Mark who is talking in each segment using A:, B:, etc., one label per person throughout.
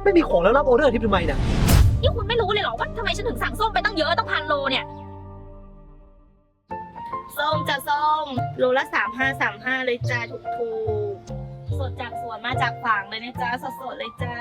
A: ไม่มีของแล้วรับออเดอร์ทิปทำไมเนี่ย
B: นี่คุณไม่รู้เลยเหรอว่าทำไมฉันถึงสั่งส้มไปตั้งเยอะตั้ง1,000 โลเนี่ยส้มจะส้มโลละ35เลยจ้าถูกๆสดจากสวนมาจากฝางเลยนะจ้าสดๆเลยจ้า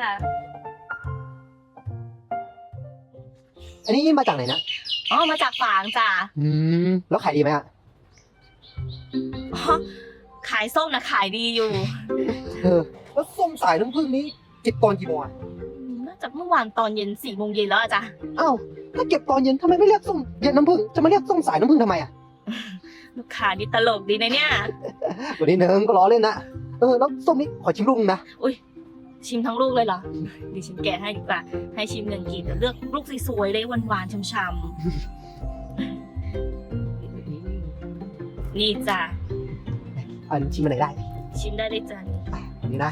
A: อันนี้มาจากไหนนะ
B: อ๋อมาจากฝางจ้า
A: แล้วขายดีไหมอะ
B: อ๋อขายส้มนะขายดีอยู่
A: แล้วส้มสายน้ำผึ้งนี้เก็บตอนกี่โมงอะ
B: น่าจะเมื่อวานตอนเย็น4 โมงเย็นแล้วอะจ้ะ
A: อ้าวถ้าเก็บตอนเย็นทำไมไม่เรียกส้มเย็นน้ำผึ้งจะมาเรียกส้มสายน้ำผึ้งทำไมอะ
B: ลูกค้านี่ตลกดีนะเนี่ย
A: วันนี้เนิงก็ล้อเล่นนะแล้วส้มนี้ขอชิมลูกนึงนะ
B: ชิมทั้งลูกเลยเหรอดิฉันแกะให้ดีกว่าให้ชิม1 กินเลือกลูกสวยๆเลยหวานๆช่ำๆนี่จ้ะ
A: อันชิมอันไหนได้
B: ชิมได้เลยจ้ะ
A: อันนี้นะ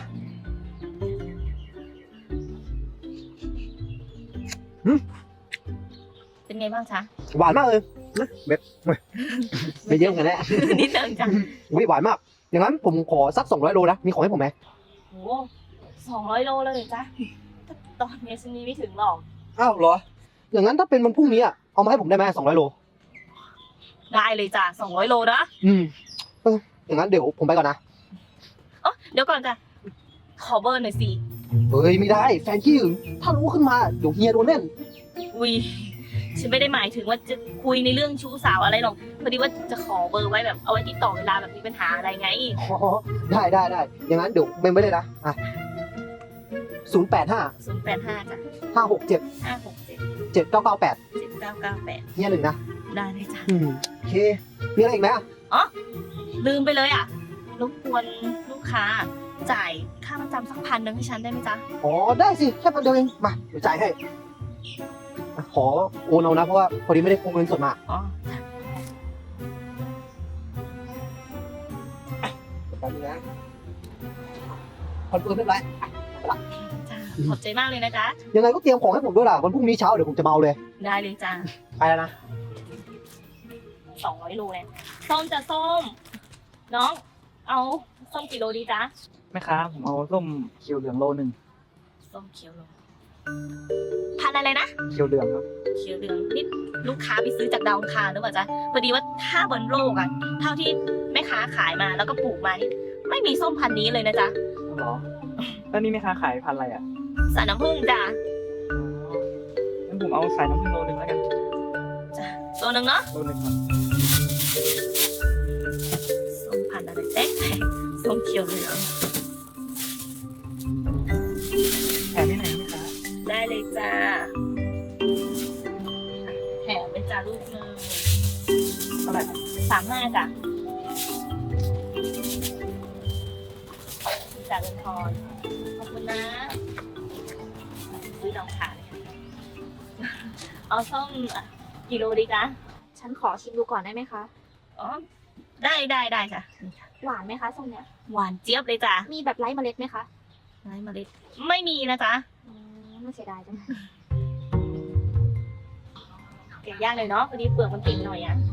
B: เป็นไงบ้างจ๊ะ
A: หวานมากเลยนะเม็ดไม่เยอะเหมือนกันแหละ
B: นิดนึงจ้ะ
A: อุ๊ยหวานมาก อย่างนั้นผมขอสัก200 โลนะ มีของให้ผมไหม
B: โอ้200 โลเลยจ้ะตอนนี้ฉันมีไม่ถึงหรอก
A: อ้าวเหรอ อย่างนั้นถ้าเป็นวันพรุ่งนี้อะเอามาให้ผมได้ไหม200 โล
B: ได้เลยจ้ะ200 โลนะ
A: อย่างนั้นเดี๋ยวผมไปก่อนนะ
B: อ๋อเดี๋ยวก่อนจ้ะขอเบอร์หน่อยสิ
A: เฮ้ยไม่ได้แฟนขี้หึงถ้ารู้ขึ้นมาเดี๋ยวเฮียโดนเล่น
B: อุ้ยฉันไม่ได้หมายถึงว่าจะคุยในเรื่องชู้สาวอะไรหรอกพอดีว่าจะขอเบอร์ไว้แบบเอาไว้ติดต่อเวลาแบบมีปัญหาอะไรไง
A: อ๋อได้อย่างนั้นเดี๋ยวเมมไว้เลยนะอ่ะ085
B: 085จ้ะ
A: 567
B: 567
A: 7998
B: 7998
A: เฮียหนึ่งนะ
B: ได้เลยจ้ะ
A: โอเค มีอะไรอีกไหมอ่ะ
B: ลืมไปเลยอ่ะรบกวนลูกค้าจ่ายค่าประจำสัก1,000ให้ฉันได้ไหมจ๊ะ
A: อ๋อได้สิแค่พันเดียวเองมาเดี๋ยวจ่ายให้อ่ะขอโอนเอานะเพราะว่าพอดีไม่ได้พกเงินสดมา
B: อ๋อ
A: แป๊บนึงนะคอนเฟิร์มเรียบร้อย
B: จ้ะขอบใจมากเลยนะจ๊ะ
A: ยังไงก็เตรียมของให้ผมด้วยล่ะวันพรุ่งนี้เช้าเดี๋ยวผมจะเมาเลย
B: ได้เลยจ้ะ
A: ไปแล้วนะ
B: 200 โลเลยส้มจะส้ม น้องเอาส้มกี่โลดีจ๊ะ
C: แม่ค้าผมเอาส้มเขียวเหลืองโลหนึ่ง
B: ส้มเขียวโลพันอะไรนะ
C: เขียวเหลืองครับ
B: เขียวเหลืองนี่ลูกค้าไปซื้อจากดาวอังคารหรือเปล่าจ๊ะพอดีว่าถ้าบนโลกอะเท่าที่แม่ค้าขายมาแล้วก็ปลูกมานี่ไม่มีส้มพันธุ์นี้เลยนะจ๊ะ
C: เหรอแล้วนี่แม่ค้าขายพันธุ์อะไรอ่ะ
B: สายน้ำผึ้งจ้ะ
C: งั้นผมเอาสายน้ำผึ้งโลหนึ่งแล้วกัน
B: ตัวหนึ่งเนาะ
C: โลหนึ่งครับ
B: ส้มพันธุ์อะไรแต๊กส้มเขียวเหลือง
C: แถมที่ไหนแม่ค้า
B: ได้เลยจ้าแถมไปจ้าลูกหนึ่ง
C: เท่าไหร่ครับ
B: 35จ้ะจากเงินทอนขอบคุณนะซื้อดองขาเลยเอาส้มกิโลดีจ๊ะ
D: ฉันขอชิมดูก่อนได้ไหมคะ
B: อ๋อได้จ้ะ
D: หวานไหมคะส้มเนี้ย
B: หวานเจี๊ยบเลยจ้ะ
D: มีแบบไร้เมล็ดไหมคะ
B: ไร้เมล็ดไม่มีนะจ๊ะ
D: น่าเสียดายจัง
B: แกะยากเลยเนาะพอดีเปลือกมันติดหน่อยอ่ะ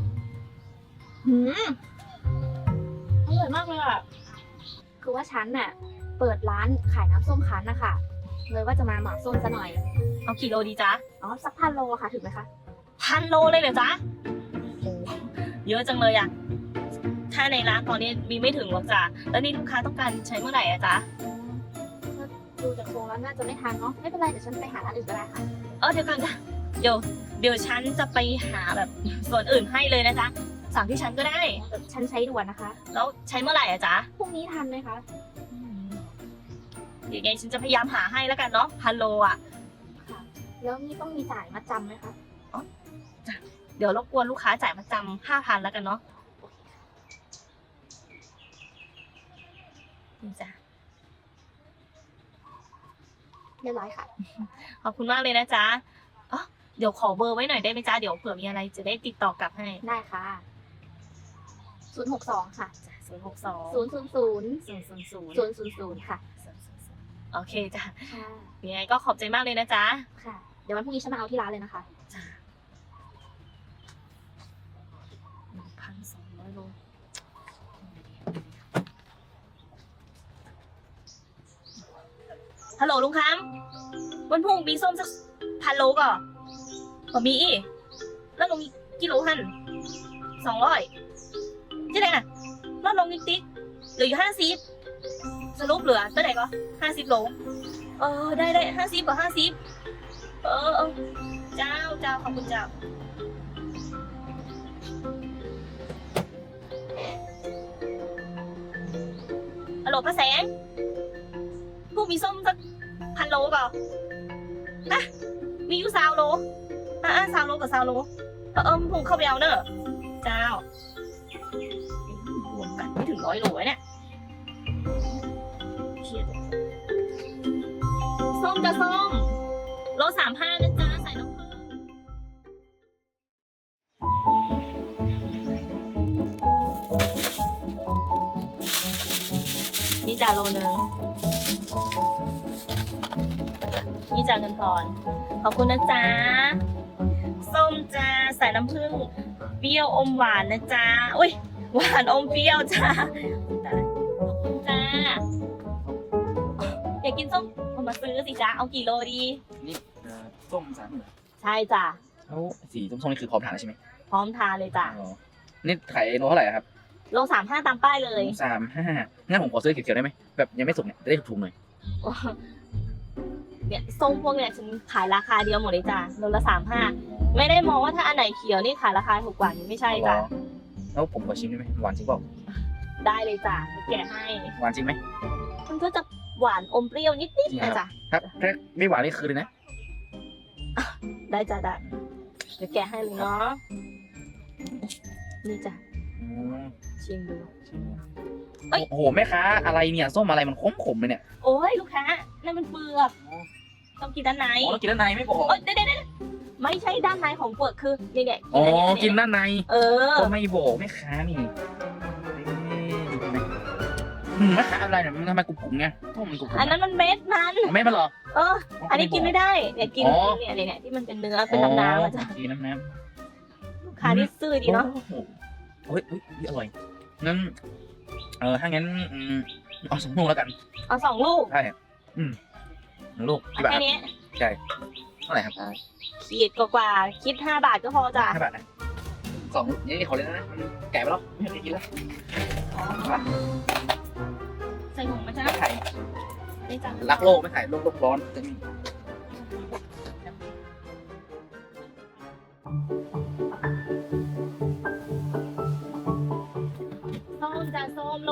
D: อร่อยมากเลยอ่ะ คือว่าฉันน่ะ เปิดร้านขายน้ำส้มคั้นนะคะเลยว่าจะมาเหมาส้มซะหน่อย
B: เอากี่โลดีจ๊ะ
D: อ๋อ สัก1,000 โลค่ะ ถึงไหมคะ
B: 1,000 โลเลยเหรอจ๊ะโอ้เยอะจังเลยอ่ะถ้าในร้านตอนนี้มีไม่ถึงหรอกจ้ะแล้วนี่ลูกค้าต้องการใช้เมื่อไหร่อะจ๊ะ
D: ดูจากทรงแล้วน่าจะไม่ทันเนาะ ไม่เป็นไร เดี๋ยวฉันไปหาร้านอื่นก็ได้ค่ะ
B: เดี๋ยวก่อนจ้ะเดี๋ยวฉันจะไปหาแบบส่วนอื่นให้เลยนะจ๊ะสั่งที่ฉันก็ได้
D: แบบฉันใช้ด่วนนะคะ
B: แล้วใช้เมื่อไหร่อะจ๊ะ
D: พรุ่งนี้ทันไหมคะ
B: เดี๋ยวไงฉันจะพยายามหาให้แล้วกันเนาะ1,000 โลอ่ะ
D: แล้วนี่ต้องมีจ่ายมาจำไหมคะ
B: เดี๋ยวรบกวนลูกค้าจ่ายมาจำ5,000แล้วกันเนาะนี่จ้ะ
D: เรียบร้อยค่ะ
B: ขอบคุณมากเลยนะจ๊ะเดี๋ยวขอเบอร์ไว้หน่อยได้ไหมจ๊ะเดี๋ยวเผื่อมีอะไรจะได้ติดต่อกลับให้
D: ได้ค่ะ 062 ค่ะ
B: 062
D: 000
B: 000
D: 000 ค่ะ
B: โอเคจ้ะ
D: ค่ะ
B: ยังไงก็ขอบใจมากเลยนะจ๊ะ
D: ค่ะ เดี๋ยววันพรุ่งนี้ฉันมาเอาที่ร้านเลยนะคะ
B: จ้ะ1,200 โลฮัลโหลลุงคำวันพรุ่งมีส้มสัก1,000 โลก่อนผมมีอีกแล้วลงอีกกิโลหัน200จะได้น่ะลดลงนิดติ๊กเหลืออยู่50สรุปเหลือเท่าไหร่ก็50 โลได้50กว่า50เจ้าขอบคุณเจ้าฮัลโหลป้าแสงพวกมีส้มสัก1,000 โลก่อนนะมีอยู่20 โล20 โลกับ20 โลผมเข้าไปเอาเนอะเจ้ารวมกันไม่ถึง100 โลเนี่ยเครียดส้มจะส้มโล35นะจ๊ะใส่น้ำผึ้งนี่จ่าโลนึงนี่จ่าเงินทอนขอบคุณนะจ๊ะส้มจ้าใส่น้ำผึ้งเปรี้ยวอมหวานนะจ๊ะอุ้ยหวานอมเปรี้ยวจ้าขอบคุณจ้าอยากกินส้มเอามาซื้อสิจ๊ะเอากี่โลดี
C: นี่ส้ม30,000
B: ใช่จ้ะ
C: แล้วสีส้มๆนี่คือพร้อมทานแล้วใช่ไหม
B: พร้อมทานเลยจ้ะ
C: อ๋อนี่ขายโลเท่าไหร่ครับ
B: โล35ตามป้ายเลย
C: 35งั้นผมขอซื้อเขียวๆได้ไหมแบบยังไม่สุกเนี่ยจะได้ถูกๆหน่อย
B: เนี่ยส้มพวกเนี่ยฉันขายราคาเดียวหมดเลยจ้ะโลละ35ไม่ได้มองว่าถ้าอันไหนเขียวนี่ขายราคาถูกกว่าไม่ใช่จ้ะ
C: แล้วผมขอชิมได้ไหมหวานจริงเปล่า
B: ได้เลยจ้ะแกะให้
C: หวานจริงไหม
B: มันก็จะหวานอมเปรี้ยวนิดๆนะจ๊ะ
C: ครับถ้าไม่หวานนี่คือเลยนะ
B: ได้จ้ะได้เดี๋ยวแกะให้เลยเนาะนี่จ้ะชิมดู เอ้ย
C: โอ้โหแม่ค้าอะไรเนี่ยส้มอะไรมันขมๆเลยเนี่ย
B: โอ้ยลูกค้านั่นมันเปลือกต้องกินด้านใน
C: อ๋อแล้วกินด้านในไม่บอก
B: เดี๋ยวไม่ใช่ด้านในของเปลือกคือเนี่ย
C: อ๋อกินด้านใน
B: เออ
C: ก็ไม่บอกแม่ค้านี่แม่ค้าอะไรเนี่ยมันทำไมกรุบๆไงส้มมันกรุบๆ
B: อันนั้นมันเม็ดมัน
C: ไม่มาหรอ
B: อันนี้กินไม่ได้เนี่ยกินเนี่ยที่มันเป็นเนื้อเป็นน้ำมันจะ
C: กินน้ำ
B: ลูกค้าที่ซื่อดีเนาะ
C: เฮ้ยอร่อยงั้นถ้างั้นเอา2 ลูกแล้วกัน
B: เอา2 ลูก
C: ใช่1 ลูกกี่บาท
B: แค่นี้
C: ใช่เท่าไหร่ครับ
B: ขีดกว่าคิด5 บาทก็พอจ้ะ
C: 5 บาทนะ2 ลูกนี่ขอเลยนะมันแก่ไปแล้วไม่ได้กินแล้ว
B: ใส่ถุงมาจ้ะ
C: ไม่ไข่
B: นี่จ้ะ
C: รักโลกไม่ไข่โลกร้อนจะมี
B: ส้มจ้ะส้มโล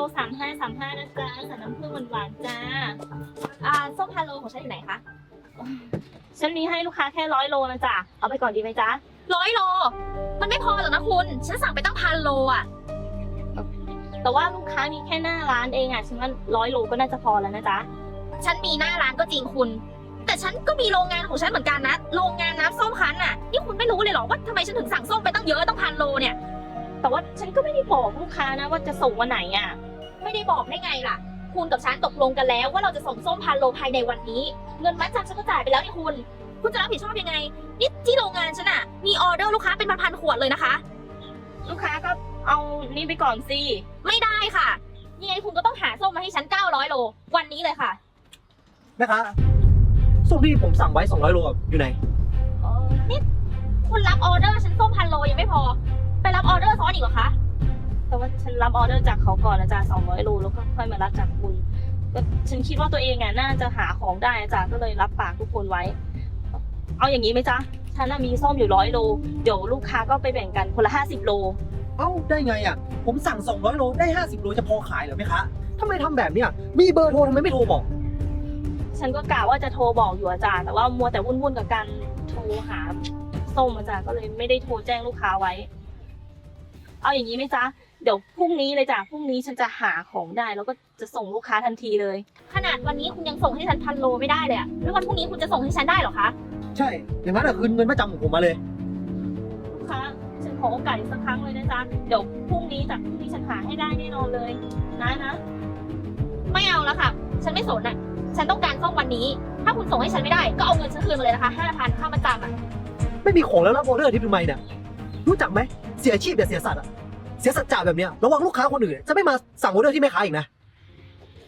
B: 35นะจ๊ะใส่น้ำผึ้งหวานๆจ้า
D: ส้ม1,000 โลของฉันอยู่ไหนคะ
B: ฉันมีให้ลูกค้าแค่100 โลนะจ๊ะเอาไปก่อนดีไหมจ๊ะ
D: 100 โล มันไม่พอหรอกนะคุณ ฉันสั่งไปตั้ง1,000 โลอ่ะ
B: แต่ว่าลูกค้ามีแค่หน้าร้านเองอ่ะฉันว่า100 โลก็น่าจะพอแล้วนะจ๊ะ
D: ฉันมีหน้าร้านก็จริงคุณ แต่ฉันก็มีโรงงานของฉันเหมือนกันนะ โรงงานน้ำส้มคั้นน่ะ นี่คุณไม่รู้เลยเหรอว่าทำไมฉันถึงสั่งส้มไปตั้งเยอะตั้ง1,000 โลเนี่ย
B: แต่ว่าฉันก็ไม่ได้บอกลูกค้านะว่าจะส่งวันไหนอ่ะ
D: ไม่ได้บอกได้ไงล่ะ คุณกับฉันตกลงกันแล้วว่าเราจะส่งส้ม1,000 โลภายในวันนี้ เงินมัดจำฉันก็จ่ายไปแล้วนี่คุณ คุณจะรับผิดชอบยังไง นี่ที่โรงงานฉันอะมีออเดอร์ลูกค้าเป็นพันๆ ขวดเลยนะคะ
B: ลูกค้าก็เอานี่ไปก่อนสิ
D: ไม่ได้ค่ะยังไงคุณก็ต้องหาส้มมาให้ฉัน900 โล วันนี้เลยค่ะ
A: แม่ค้าส้มที่ผมสั่งไว้200 โลอยู่ไหน
D: นี่คุณรับออเดอร์ฉันส้ม1,000 โลยังไม่พอ ไปรับออเดอร์ซ้อนอีกเหรอคะ
B: แต่ว่าฉันรับออเดอร์จากเขาก่อนนะจ๊ะ200 โลแล้วก็ค่อยมารับจากคุณก็ฉันคิดว่าตัวเองอ่ะน่าจะหาของได้นะจ๊ะก็เลยรับปากทุกคนไว้ เอาอย่างนี้ไหมจ๊ะฉันน่ะมีส้มอยู่100 โลเดี๋ยวลูกค้าก็ไปแบ่งกันคนละ50 โล
A: เอ้าได้ไงอ่ะผมสั่ง200 โลได้50 โลจะพอขายเหรอแม่ค้าทำไมทำแบบเนี้ยมีเบอร์โทรทำไมไม่โทรบอก
B: ฉันก็กะว่าจะโทรบอกอยู่อาจารย์แต่ว่ามัวแต่วุ่นๆกับการโทรหาส้มอาจารย์ก็เลยไม่ได้โทรแจ้งลูกค้าไว้ เอาอย่างนี้ไหมจ๊ะเดี๋ยวพรุ่งนี้เลยจ้ะพรุ่งนี้ฉันจะหาของได้แล้วก็จะส่งลูกค้าทันทีเลย
D: ขนาดวันนี้คุณยังส่งให้ฉัน1,000 โลไม่ได้เลยอะแล้ววันพรุ่งนี้คุณจะส่งให้ฉันได้เหรอคะ
A: ใช่อย่างนั้นคืนเงินมาจำของผมมาเลย
B: ลูกค้าฉันขอโอกาสอีกสักครั้งเลยนะจ๊ะเดี๋ยวพรุ่งนี้ฉันหาให้ได้แน่นอนเลยนะ
D: ไม่เอาแล้วค่ะ ฉันไม่สนอะฉันต้องการส้มวันนี้ ถ้าคุณส่งให้ฉันไม่ได้ก็เอาเงินฉันคืนมาเลยนะคะ5,000ค่ามาจำอะ
A: ไม่มีของแล้วรับออเดอร์ที่ทำไมเนี่ยรู้จักไหมเสียอาชีพแบบเสียสัตว์อะเสียสัจจะแบบเนี้ยระวังลูกค้าคนอื่นจะไม่มาสั่งออเดอร์ที่แม่ค้าอีกนะ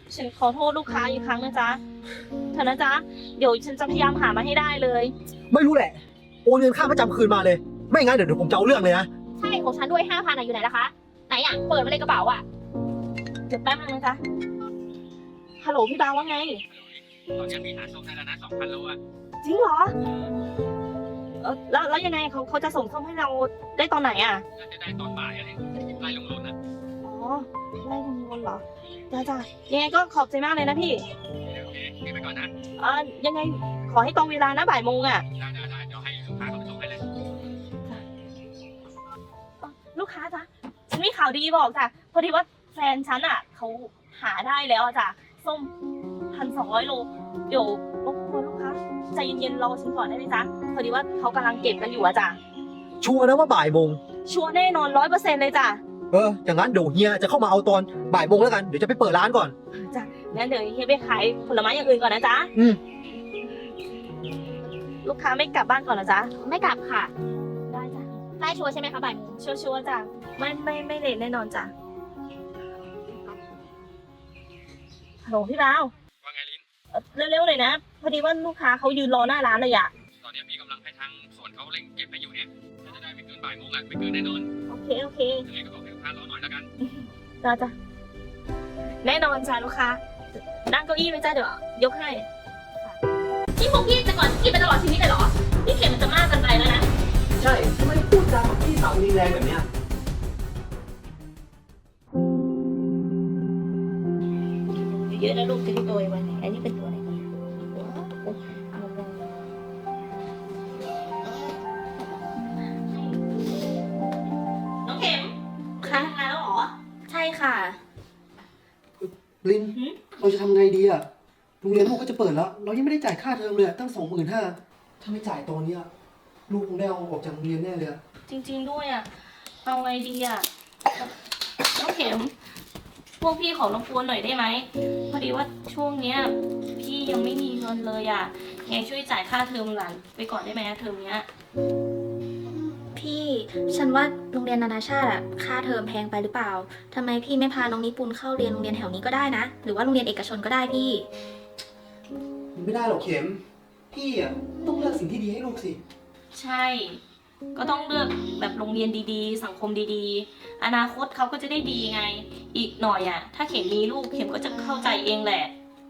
B: ฉันขอโทษลูกค้าอีกครั้งนะจ๊ะเถอะนะจ๊ะเดี๋ยวฉันจะพยายามหามาให้ได้เลย
A: ไม่รู้แหละ โอนเงินค่าประจำคืนมาเลย ไม่งั้นเดี๋ยวผมจะเอาเรื่องเลยนะ
D: ใช่ของฉันด้วย5,000อ่ะอยู่ไหนล่ะคะ ไหนอ่ะ เปิดมาเลยกระเป๋าอ่ะ
B: เดี๋ยวแป๊บนึงนะจ๊ะฮัลโหลพี่ดาวว่าไง
C: ตอนนี้มีหาส้มได้แล้วนะ2,000 โลอ่ะ
B: จริงเหรอแล้วยังไงเขาจะส่งส้มให้เราได้ตอนไหนอ่ะ
C: น่าจะได้ตอนบ่ายอะไรไล่ลงรถนะ
B: อ๋อไล่ลงบนเหรอจ้ายังไงก็ขอบใจมากเลยนะพี่
C: โอเคไปก่อนนะ
B: ยังไงขอให้ตรงเวลานะบ่ายโมงอ่ะ
C: ได้เดี๋ยวให้ลูกค้าเขาไปส่งให้เลย
B: ลูกค้าจ๊ะฉันมีข่าวดีบอกจ้ะพอดีว่าแฟนฉันอ่ะเขาหาได้แล้วอะจ้ะส้ม1,200 โลเดี๋ยวรบกวนลูกค้าใจเย็นๆรอฉันก่อนได้ไหมจ๊ะพอดีว่าเขากำลังเก็บกันอยู่อะจ้ะ
A: ชัวร์นะว่าบ่ายโมง
B: ชัวร์แน่นอน100%เลยจ้ะ
A: อย่างนั้นเดี๋ยวเฮียจะเข้ามาเอาตอนบ่ายโมงแล้วกัน เดี๋ยวจะไปเปิดร้านก่อน
B: จ้ะงั้นเดี๋ยวเฮียไปขายผลไม้อย่างอื่นก่อนนะจ๊ะ
A: อืม
B: ลูกค้าไม่กลับบ้านก่อนเหรอจ๊ะ
D: ไม่กลับค่ะ
B: ได้จ้ะ
D: ได้ชัวร์ใช่ไหมคะบ่ายโมง
B: ชัวร์ๆจ้ะไม่เลทแน่นอนจ้ะฮัลโหลพี่ดาว
C: ว่าไงลิ้น
B: เร็วๆหน่อยนะพอดีว่าลูกค้าเขายืนรอหน้าร้านเลยอะ
C: ตอนนี้พี่กำลังให้ทางส่วนเขาเร่งเก็บให้อยู่เนี่ยน่าจะได้ไม่เกินบ่ายโมงอ่ะไม่เกินแน่นอน
B: โอเค
C: ยังไงก็บอกให้ลูกค้ารอหน่อยแล้วกัน
B: จ้ะแน่นอนจ้ะลูกค้านั่งเก้าอี้ไหมจ้ะเดี๋ยวยกให้
D: นี่พวกพี่จะก่อนกินไปตลอดชีวิตเลยเหรอ นี่เข็มมันจะมากเกินไปแล้วนะ
A: ใช่ทำไมพูดจากับพี่สาวรุนแรงแบบเนี้ย
B: เยอะนะลูกจะได้ตัวไว้อันนี้เป็นตัวอะไรกันน้องเข็มค่ะทำงานแล้วเหรอ
D: ใช่ค่ะ
A: ลิน
B: หืม
A: เราจะทำไงดีอะโรงเรียนลูกก็จะเปิดแล้ว เรายังไม่ได้จ่ายค่าเทอมเลยอะตั้ง25,000ถ้าไม่จ่ายตอนเนี้ยลูกคงได้เอาออกจากโรงเรียนแน่เลยอะ
B: จริงๆด้วยอ่ะเอาไงดีอ่ะน้องเข็มพวกพี่ขอรบกวนหน่อยได้ไหมพอดีว่าช่วงเนี้ยพี่ยังไม่มีเงินเลยอ่ะไงช่วยจ่ายค่าเทอมหลานไปก่อนได้ไหมเทอมเนี้ย
E: พี่ฉันว่าโรงเรียนนานาชาติอะค่าเทอมแพงไปหรือเปล่าทำไมพี่ไม่พาน้องนิปุนเข้าเรียนโรงเรียนแถวนี้ก็ได้นะ หรือว่าโรงเรียนเอกชนก็ได้พี่
A: ไม่ได้หรอกเข็ม พี่อะต้องเลือกสิ่งที่ดีให้ลูกสิ
B: ใช่ ก็ต้องเลือกแบบโรงเรียนดีๆ สังคมดีๆ อนาคตเขาก็จะได้ดีไง อีกหน่อยอ่ะ ถ้าเข็มมีลูกเข็มก็จะเข้าใจเองแหละ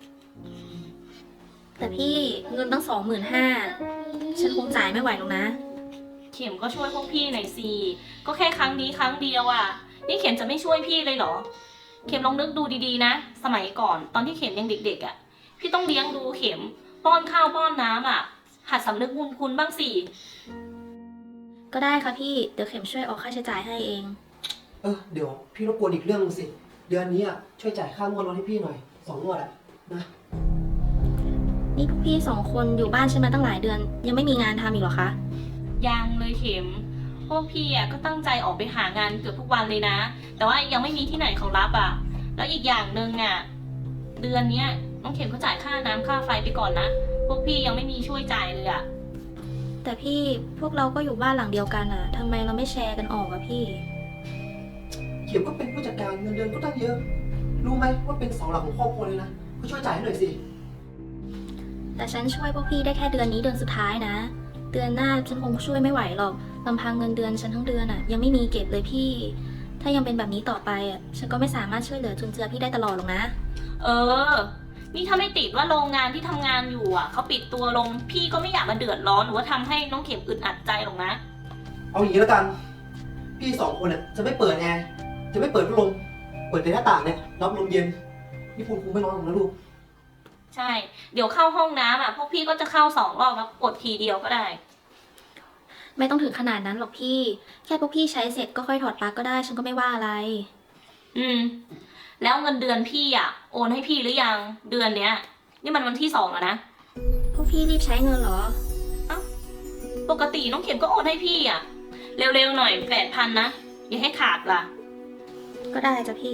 E: แต่พี่เงินตั้ง25,000ฉันคงจ่ายไม่ไหวหรอกนะ
B: เข็มก็ช่วยพวกพี่หน่อยสิก็แค่ครั้งนี้ครั้งเดียวอ่ะ นี่เข็มจะไม่ช่วยพี่เลยเหรอ เข็มลองนึกดูดีๆนะ สมัยก่อนตอนที่เข็มยังเด็กๆอ่ะ พี่ต้องเลี้ยงดูเข็ม ป้อนข้าวป้อนน้ำอ่ะ หัดสำนึกบุญคุณบ้างสิ
E: ก็ได้ค่ะพี่เดี๋ยวเข็มช่วยออกค่าใช้จ่ายให้เอง
A: เดี๋ยวพี่รบกวนอีกเรื่องนึงสิ เดือนนี้อะช่วยจ่ายค่างวดรถให้พี่หน่อย2 งวดอะนะ
E: นี่พวกพี่2 คนอยู่บ้านฉันมาตั้งหลายเดือน ยังไม่มีงานทำอีกเหรอคะ
B: ยังเลยเข็ม พวกพี่อ่ะก็ตั้งใจออกไปหางานเกือบทุกวันเลยนะ แต่ว่ายังไม่มีที่ไหนเขารับอ่ะ แล้วอีกอย่างหนึ่งอ่ะ เดือนเนี้ยน้องเข็มก็จ่ายค่าน้ำค่าไฟไปก่อนนะ พวกพี่ยังไม่มีช่วยจ่ายเลยอ่ะ
E: แต่พี่พวกเราก็อยู่บ้านหลังเดียวกันอะทำไมเราไม่แชร์กันออกอะพี่
A: เข็มก็เป็นผู้จัดการเงินเดือนก็ตั้งเยอะ รู้ไหมว่าเป็นเสาหลักของครอบครัวเลยนะก็ช่วยจ่ายให้หน่อยสิ
E: แต่ฉันช่วยพวกพี่ได้แค่เดือนนี้เดือนสุดท้ายนะ เดือนหน้าฉันคงช่วยไม่ไหวหรอกลำพังเงินเดือนฉันทั้งเดือนอะยังไม่มีเก็บเลยพี่ ถ้ายังเป็นแบบนี้ต่อไปอะฉันก็ไม่สามารถช่วยเหลือจุนเจือพี่ได้ตลอดหรอกนะ
B: เออ นี่ถ้าไม่ติดว่าโรงงานที่ทำงานอยู่อ่ะเขาปิดตัวลง พี่ก็ไม่อยากมาเดือดร้อนหรือว่าทำให้น้องเข็มอึดอัดใจหรอกนะ
A: เอาอย่างนี้แล้วกัน พี่2 คนอะจะไม่เปิดแอร์ จะไม่เปิดพัดลม เปิดแต่หน้าต่างเนี่ยรับลมเย็นพี่พูนคงไม่ร้อนหรอกนะลูก
B: ใช่ เดี๋ยวเข้าห้องน้ำอ่ะ พวกพี่ก็จะเข้า2 รอบแล้วกดทีเดียวก็ได้
E: ไม่ต้องถึงขนาดนั้นหรอกพี่ แค่พวกพี่ใช้เสร็จก็ค่อยถอดปลั๊กก็ได้ฉันก็ไม่ว่าอะไร
B: อืม แล้วเงินเดือนพี่อ่ะ โอนให้พี่หรือยัง เดือนเนี้ย นี่มันวันที่2แล้วนะ
E: พวกพี่รีบใช้เงินเหรอ
B: ปกติน้องเข็มก็โอนให้พี่อ่ะ เร็วๆหน่อย8,000นะ อย่าให้ขาดล่ะ
E: ก็ได้จ้ะพี่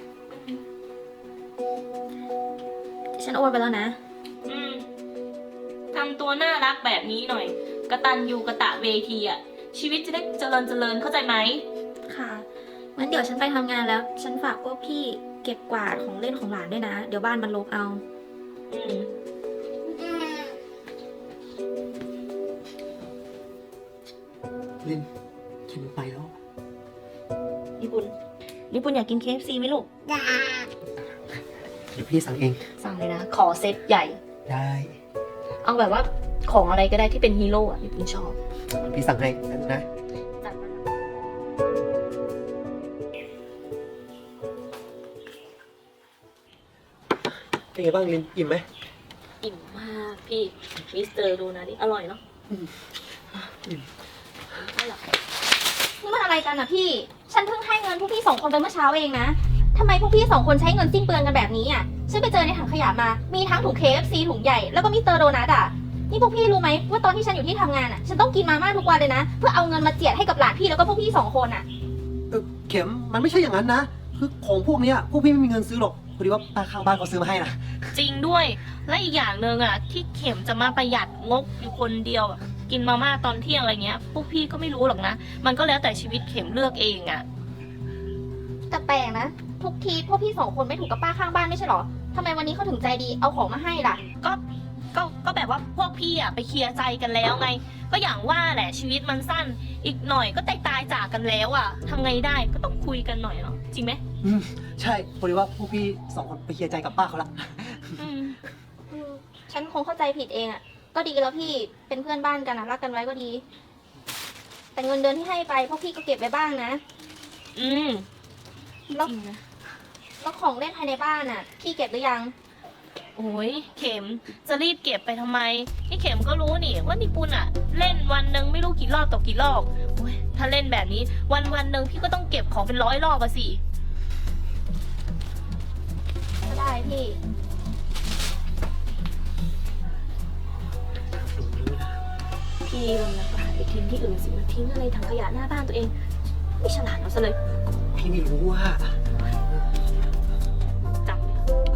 E: ฉันโอนไปแล้วนะ
B: อืมทำตัวน่ารักแบบนี้หน่อย กตัญญูกะตะเวทีอ่ะ ชีวิตจะได้เจริญเข้าใจไหม
E: ค่ะงั้นเดี๋ยวฉันไปทำงานแล้ว ฉันฝากพวกพี่เก็บกวาดของเล่นของหลานด้วยนะ เดี๋ยวบ้านมันรกเอา
B: อืม
A: ลินฉันไปแล้ว
B: ญี่ปุ่นอยากกิน KFC ไหมลูก
A: เดี๋ยวพี่สั่งเอง
B: สั่งเลยนะ ขอเซตใหญ่
A: ได้
B: เอาแบบว่าของอะไรก็ได้ที่เป็นฮีโร่อะญี่ปุ่นชอบ
A: พี่สั่งให้นะ
B: จัดมา
A: เป็นไงบ้างลินอิ่มไหม
B: อิ่มมากพี่มิสเตอร์ดูนะดิอร่อยเนาะ
A: อิ่ม
B: อร่อย
D: นี่มันอะไรกันอะพี่ ฉันเพิ่งให้เงินพวกพี่สองคนไปเมื่อเช้าเองนะทำไมพวกพี่สองคนใช้เงินสิ้นเปลืองกันแบบนี้อะฉันไปเจอในถังขยะมา มีทั้งถุง KFC ถุงใหญ่ แล้วก็มิสเตอร์โดนัทอะนี่พวกพี่รู้ไหมว่าตอนที่ฉันอยู่ที่ทำงานอะฉันต้องกินมาม่าทุกวันเลยนะ เพื่อเอาเงินมาเจียดให้กับหลานพี่แล้วก็พวกพี่สองคนอะ
A: เข็มมันไม่ใช่อย่างนั้นนะ คือของพวกเนี้ยพวกพี่ไม่มีเงินซื้อหรอก พอดีว่าป้าข้างบ้านเขาซื้อมาให้นะ
B: จริงด้วย และอีกอย่างหนึ่งอ่ะที่เข็มจะมาประหยัดงบอยู่คนเดียวอะกินมาม่าตอนเที่ยงอะไรเงี้ย พวกพี่ก็ไม่รู้หรอกนะ มันก็แล้วแต่ชีวิตเข็มเลือกเองอ่ะ
D: แต่แปลกนะ ทุกทีพวกพี่สองคนไม่ถูกกับป้าข้างบ้านไม่ใช่หรอทำไมวันนี้เขาถึงใจดีเอาของมาให้ล่ะ
B: ก็แบบว่าพวกพี่อ่ะไปเคลียร์ใจกันแล้วไง ก็อย่างว่าแหละชีวิตมันสั้น อีกหน่อยก็ตายจากกันแล้วอ่ะทำไงได้ก็ต้องคุยกันหน่อยเนาะจริงไหม
A: ใช่พอดีว่าพวกพี่สองคนไปเคลียร์ใจกับป้าเขาละ
B: อืม
D: ฉันคงเข้าใจผิดเองอะก็ดีแล้วพี่เป็นเพื่อนบ้านกันนะรักกันไว้ก็ดี แต่เงินเดือนที่ให้ไปพวกพี่ก็เก็บไว้บ้างนะ
B: อืม
D: แล้ว
B: จริงนะ
D: แล้วของเล่นภายในบ้านอะพี่เก็บหรือยัง
B: โอ้ยเข็มจะรีบเก็บไปทำไมนี่เข็มก็รู้นี่ว่านิปุนอ่ะ เล่นวันหนึ่งไม่รู้กี่รอบต่อกี่รอบโอ้ยถ้าเล่นแบบนี้วันหนึ่งพี่ก็ต้องเก็บของเป็น100 รอบอะสิ
D: ก็ได้พี่
B: พี่มันนะก็หาไปทิ้งที่อื่นสิมาทิ้งอะไรถังขยะหน้าบ้านตัวเอง ไม่ฉลาดเอาซะเลย
A: พี่ไม่รู้ว่า
B: จำไว้เถอะ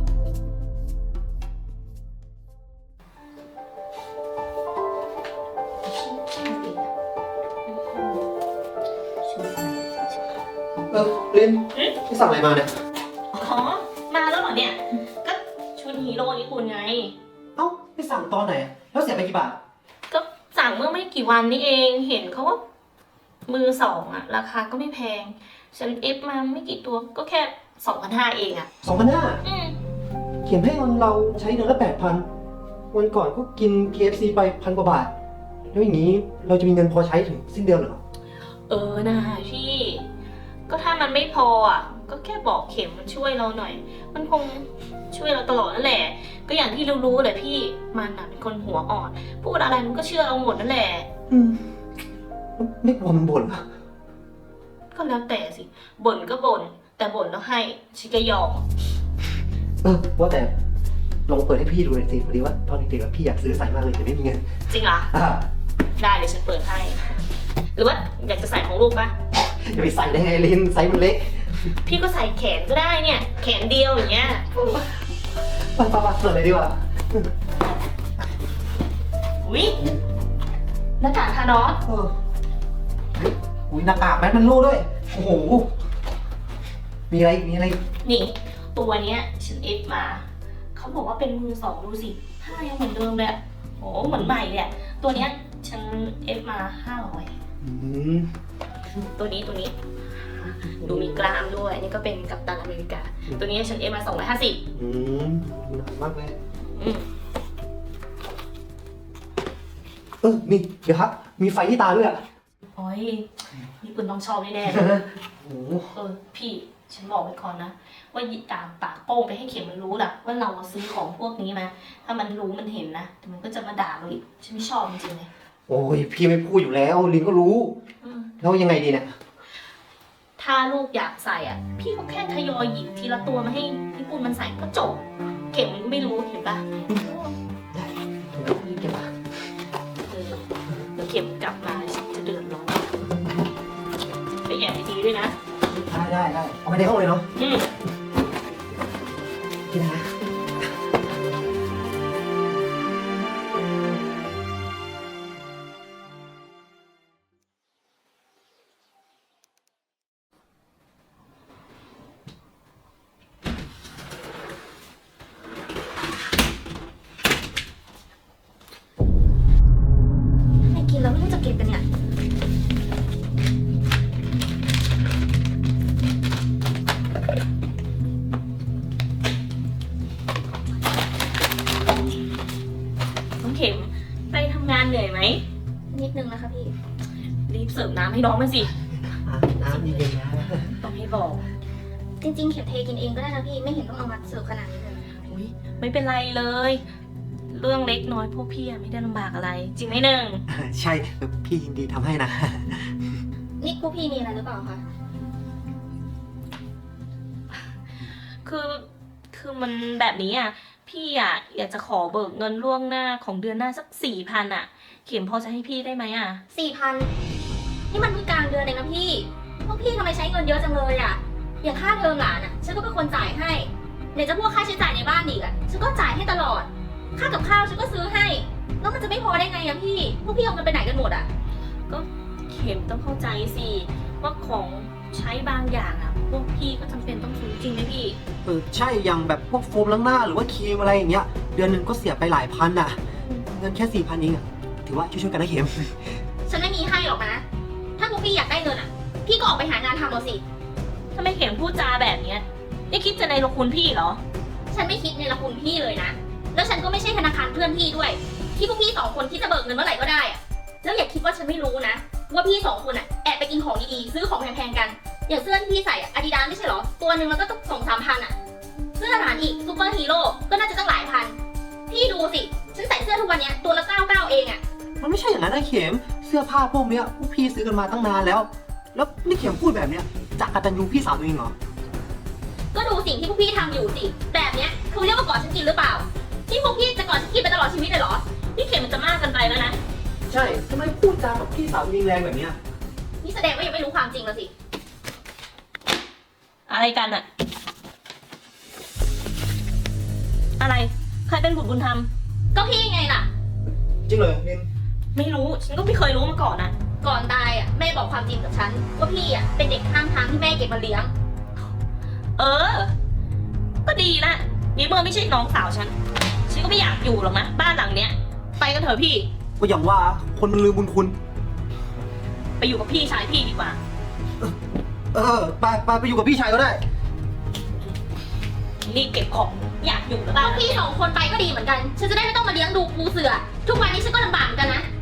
A: ลินพี่สั่งอะไรมาเนี่ย
B: อ๋อมาแล้วเหรอเนี่ยก็ชุดฮีโร่ญี่ปุ่นไง
A: เอ้าไปสั่งตอนไหน แล้วเสียไปกี่บาท
B: ก็สั่งเมื่อไม่กี่วันนี้เองเห็นเขาว่ามือสองอะราคาก็ไม่แพง ฉันเอฟมาไม่กี่ตัวก็แค่2,500เองอะ
A: 2,500
B: อืม
A: เขียนให้เราใช้เดือนละ 8,000 วันก่อนก็กิน KFC ไป1,000 กว่าบาท แล้วอย่างนี้เราจะมีเงินพอใช้ถึงสิ้นเดือนเหรอ
B: เออนะพี่ ก็ถ้ามันไม่พออ่ะ ก็แค่บอกเข็มมันช่วยเราหน่อย มันคงช่วยเราตลอดนั่นแหละ ก็อย่างที่รู้ๆแหละพี่ มันอ่ะเป็นคนหัวอ่อน พูดอะไรมันก็เชื่อเราหมดนั่นแหละ
A: ไม่กลัวมันบ่นเหรอ
B: ก็แล้วแต่สิ บ่นก็บ่น แต่บ่นแล้วให้ชิก็ยอม
A: ว่าแต่ลองเปิดให้พี่ดูหน่อยสิพอดีว่าตอนเด็กๆพี่อยากซื้อใส่มากเลยแต่ไม่มีเงิน
B: จริงเหรอ ได้เดี๋ยวฉันเปิดให้ หรือว่าอยากจะใส่ของลูกปะ
A: จะไปใส่ได้ไงลินไซส์มันเล็ก
B: พี่ก็ใส่แขนก็ได้เนี่ย แขนเดียวอย่างเงี้ย
A: ไปเปิดเลยดีกว่า
B: อุ๊ยหน้ากากทานอส
A: อุ้ยหน้ากากแมสมันรูด้วย โอ้โห มีอะไรอีกมีอะไรอีก
B: นี่ตัวเนี้ยฉันเอฟมา เขาบอกว่าเป็นมือสองดูสิผ้ายังเหมือนเดิมเลยอะโอ้เหมือนใหม่เลยอะตัวเนี้ยฉันเอฟมา500
A: อืม
B: ตัวนี้ดูมีกล้ามด้วยนี่ก็เป็นกัปตันอเมริกา ตัวนี้ฉันเอฟมา250
A: อืมหนามากเลย
B: อืม
A: นี่เดี๋ยวครับ มีไฟที่ตาด้วยอ่ะ
B: โอ้ยนี่คุณต้องชอบแน่ๆเลย
A: โอ้โห
B: พี่ฉันบอกไว้ก่อนนะว่าอย่าตามปากโป้งไปให้เข็มมันรู้ล่ะว่าเราซื้อของพวกนี้มาถ้ามันรู้มันเห็นนะแต่มันก็จะมาด่าเราอีกฉันไม่ชอบจริงๆเลย
A: โอ้ยพี่ไม่พูดอยู่แล้วลินก็รู้
B: อืม
A: แล้วยังไงดีเนี่ย
B: ถ้าลูกอยากใส่อ่ะ พี่ก็แค่ทยอยหยิบทีละตัวมาให้พี่ปุ้นมันใส่ก็จบ เข็มมันก็ไม่รู้เห็นปะ
A: ได้เดี๋ยวเก็บมา
B: เออแล้วเข็มกลับมาฉันจะเดือดร้อนไปแอบดีๆด้วยนะ
A: ได้เอาไปในห้องเลยเนาะ
B: อืม
A: พี่นะ
B: เข็มไปทำงานเหนื่อยไหม
E: นิดนึงนะคะพี่
B: รีบเสิร์ฟน้ำให้น้องมันสิ
A: น้ำเย็นๆนะ
B: ต้องให้บอก
E: จริงๆเข็มเทกินเองก็ได้นะพี่ ไม่เห็นต้องเอามาเสิร์ฟขนาดนี้เลย
B: อุ๊ยไม่เป็นไรเลย เรื่องเล็กน้อยพวกพี่อะไม่ได้ลำบากอะไร จริงไหมหนึ่ง
A: ใช่พี่ยินดีทำให้นะ
E: นี่พวกพี่มีอะไรหรือเปล่าคะ
B: คือมันแบบนี้อ่ะ พี่อ่ะอยากจะขอเบิกเงินล่วงหน้าของเดือนหน้าสัก4,000อ่ะ เข็มพอจะให้พี่ได้ไหมอ่ะ
E: 4,000 นี่มันเพิ่งกลางเดือนเองนะพี่ พวกพี่ทำไมใช้เงินเยอะจังเลยอะอย่างค่าเทอมหลานอะฉันก็เป็นคนจ่ายให้ไหนจะพวกค่าใช้จ่ายในบ้านอีกอะฉันก็จ่ายให้ตลอด ค่ากับข้าวฉันก็ซื้อให้ แล้วมันจะไม่พอได้ไงอะพี่ พวกพี่เอาเงินไปไหนกันหมดอะ
B: ก็เข็มต้องเข้าใจสิว่าของใช้บางอย่างอ่ะ พวกพี่ก็จำเป็นต้องซื้อจริงไหมพี่
A: ใช่อย่างแบบพวกโฟมล้างหน้าหรือว่าครีมอะไรอย่างเงี้ย เดือนหนึ่งก็เสียไปหลายพันอ่ะ เงินแค่ 4,000เองอ่ะ ถือว่าช่วยๆกันนะเข็ม
E: ฉันไม่มีให้หรอกนะ ถ้าพวกพี่อยากได้เงินอะพี่ก็ออกไปหางานทำเอาสิ
B: ทำไมเข็มพูดจาแบบเนี้ยนี่คิดจะในรคุณพี่เหรอ
E: ฉันไม่คิดในละคุณพี่เลยนะ แล้วฉันก็ไม่ใช่ธนาคารเพื่อนพี่ด้วย ที่พวกพี่2 คนคิดจะเบิกเงินเมื่อไหร่ก็ได้อะแล้วอย่าคิดว่าฉันไม่รู้นะ ว่าพี่2 คนอะแอบไปกินของดีๆซื้อของแพงๆกัน อย่างเสื้อที่พี่ใส่อะอาดิดาสไม่ใช่เหรอ ตัวหนึ่งมันก็ต้อง2-3 พันอะเสื้อทหารอีกซูเปอร์ฮีโร่ก็น่าจะตั้งหลายพัน พี่ดูสิ ฉันใส่เสื้อทุกวันเนี้ยตัวละ99เองอะ
A: มันไม่ใช่อย่างนั้นนะเข็ม เสื้อผ้าพวกเนี้ยพวกพี่ซื้อกันมาตั้งนานแล้ว แล้วนี่เข็มพูดแบบเนี้ยจากกตัญญูพี่สาวตัวเองเหรอ
E: ก็ดูสิ่งที่พวกพี่ทำอยู่สิ แบบเนี้ยคือเรียกว่าก่อฉันกินหรือเปล่า ที่พวกพี่จะก่อฉันกินไปตลอดชีวิตเลยเหรอ
B: นี่เข็มมันจะมากเกันไปแล้วนะ
A: ใช่ทำไมพูดจากับพี่สาวตัวเองแรงแบบเนี้ย
E: นี่แสดงว่ายังไม่รู้ความจริงแล้วสิ
B: อะไรกันอะอะไร ใครเป็นบุตรบุญธรรม
E: ก็พี่ไงล่ะ
A: จริงเหรอนิน
B: ไม่รู้ ฉันก็ไม่เคยรู้มาก่อนอะ
E: ก่อนตายอ่ะแม่บอกความจริงกับฉันว่าพี่อ่ะเป็นเด็กข้างทางที่แม่เก็บมาเลี้ยง
B: เออ ก็ดีนะนี่เมื่อไม่ใช่น้องสาวฉัน ฉันก็ไม่อยากอยู่หรอกนะ บ้านหลังเนี้ย ไปกันเถอะพี่
A: ก็อย่างว่าคนมันลืมบุญคุณ
B: ไปอยู่กับพี่ชายพี่ดีกว่า
A: ไปอยู่กับพี่ชายก็ได้
B: รีบเก็บของอยากอยู่แล้ว
E: เอาพี่2 คนไปก็ดีเหมือนกัน ฉันจะได้ไม่ต้องมาเลี้ยงดูปูเสือ ทุกวันนี้ฉันก็ลำบากเหมือนกันนะ